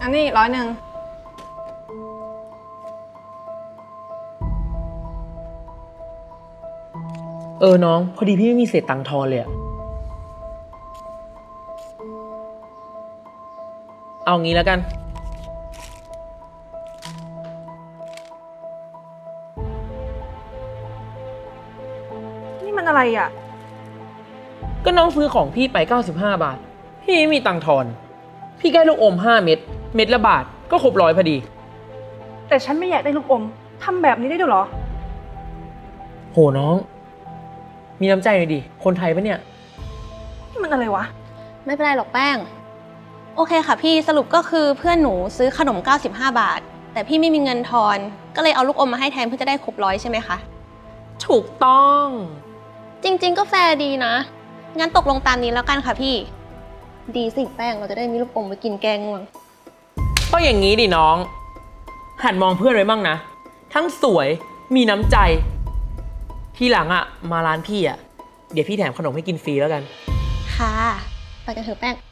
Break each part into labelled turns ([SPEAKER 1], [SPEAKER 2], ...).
[SPEAKER 1] อันนี้100
[SPEAKER 2] น้องพอดีพี่ไม่มีเศษตังค์ทอนเลยอะเอางี้แล้วกัน
[SPEAKER 1] นี่มันอะไรอ่ะ
[SPEAKER 2] ก็น้องซื้อของพี่ไป95 บาทพี่ไม่มีตังค์ทอนพี่แค่ลูกอม5 เม็ดเม็ดละบาทก็ครบ100พอดี
[SPEAKER 1] แต่ฉันไม่อยากได้ลูกอมทำแบบนี้ได้ด้วยเหรอ
[SPEAKER 2] โหน้องมีน้ำใจหน่อยดิคนไทยปะเนี่ย
[SPEAKER 1] นี่มันอะไรวะ
[SPEAKER 3] ไม่เป็นไรหรอกแป้งโอเคค่ะพี่สรุปก็คือเพื่อนหนูซื้อขนม95 บาทแต่พี่ไม่มีเงินทอนก็เลยเอาลูกอมมาให้แทนเพื่อจะได้ครบ100ใช่ไหมคะ
[SPEAKER 2] ถูกต้อง
[SPEAKER 3] จริงๆก็แฟร์ดีนะงั้นตกลงตามนี้แล้วกันค่ะพี่ดีสิแป้งเราจะได้มีลูกอมไว้กินแกงง่วง
[SPEAKER 2] ก็อย่างนี้ดิน้องหัดมองเพื่อนไว้บ้างนะทั้งสวยมีน้ำใจทีหลังอะมาร้านพี่อะเดี๋ยวพี่แถมขนมให้กินฟรีแล้วกัน
[SPEAKER 3] ค่ะไปกันเถอะแป้ง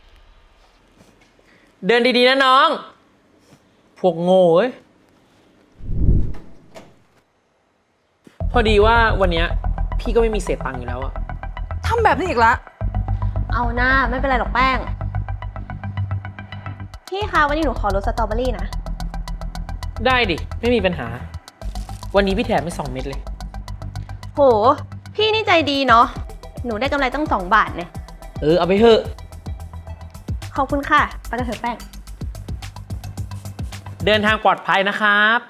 [SPEAKER 2] เดินดีๆนะน้องพวกโง่เอ้ยพอดีว่าวันเนี้ยพี่ก็ไม่มีเศษตังค์อยู่แล้วอะ
[SPEAKER 1] ทำแบบนี้อีกละ
[SPEAKER 3] เอาหน้าไม่เป็นไรหรอกแป้งพี่คะวันนี้หนูขอรสสตรอเบอรี่นะ
[SPEAKER 2] ได้ดิไม่มีปัญหาวันนี้พี่แถมไป2 เม็ดเลย
[SPEAKER 3] โหพี่นี่ใจดีเนาะหนูได้กำไรตั้ง2 บาทเนี่ย
[SPEAKER 2] เอาไปเถอะ
[SPEAKER 3] ขอบคุณค่ะไปกันเถอะแป้ง
[SPEAKER 2] เดินทางปลอดภัยนะครับ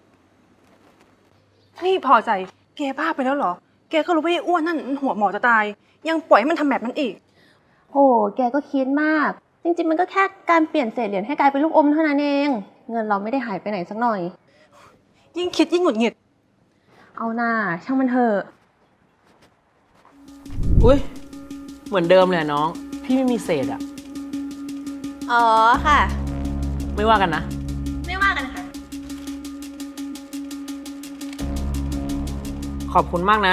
[SPEAKER 1] นี่พอใจแกบ้าไปแล้วเหรอแกก็รู้ว่าไอ้อ้วนนั่นหัวหมอจะตายยังปล่อยให้มันทำแบบนั้นอีก
[SPEAKER 3] โอ้แกก็คิดมากจริงๆมันก็แค่การเปลี่ยนเศษเหรียญให้กลายเป็นลูกอมเท่านั้นเองเงินเราไม่ได้หายไปไหนสักหน่อย
[SPEAKER 1] ยิ่งคิดยิ่งหงุดหงิด
[SPEAKER 3] เอาหน้าช่างมันเถอะ
[SPEAKER 2] อุ้ยเหมือนเดิมเลยน้องพี่ไม่มีเศษอะ
[SPEAKER 3] อ๋อค่ะ
[SPEAKER 2] ไม่ว่ากันนะ
[SPEAKER 3] ไม่ว่ากันค่ะ
[SPEAKER 2] ขอบคุณมากนะ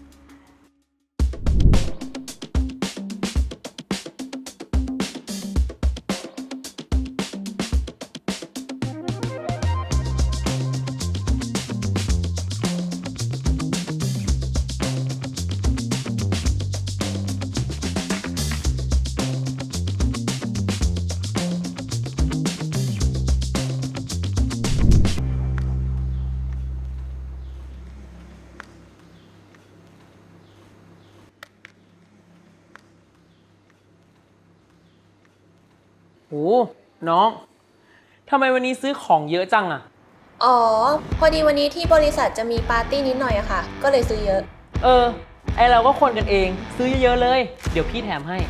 [SPEAKER 2] โอ้น้องทำไมวันนี้ซื้อของเยอะจังอะ
[SPEAKER 3] อ๋อพอดีวันนี้ที่บริษัทจะมีปาร์ตี้นิดหน่อยอะค่ะก็เลยซื้อเยอะ
[SPEAKER 2] ไอเราก็คนกันเองซื้อเยอะๆเลยเดี๋ยวพี่แถมให้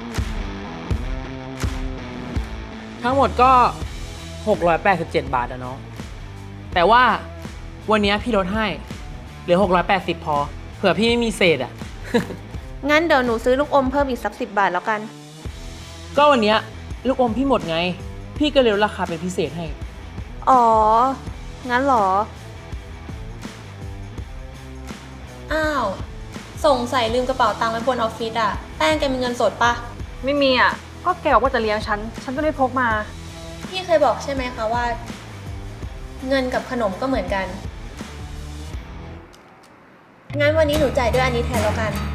[SPEAKER 2] ทั้งหมดก็687 บาทอะน้องแต่ว่าวันนี้พี่ลดให้เหลือ680พอเผื่อพี่ไม่มีเศษอะ
[SPEAKER 3] งั้นเดี๋ยวหนูซื้อลูกอมเพิ่มอีกสัก10 บาทแล้วกัน
[SPEAKER 2] ก็วันนี้ลูกอมพี่หมดไงพี่ก็เลยลดราคาเป็นพิเศษให้
[SPEAKER 3] อ๋องั้นเหรออ้าวส่งใส่ลืมกระเป๋าตังค์ไว้บนออฟฟิศอะแป้งแกมีเงินสดปะ
[SPEAKER 1] ไม่มีอ่ะก็แกบอกว่าจะเลี้ยงฉันก็เลยพกมา
[SPEAKER 3] พี่เคยบอกใช่ไหมคะว่าเงินกับขนมก็เหมือนกันงั้นวันนี้หนูจ่ายด้วยอันนี้แทนแล้วกัน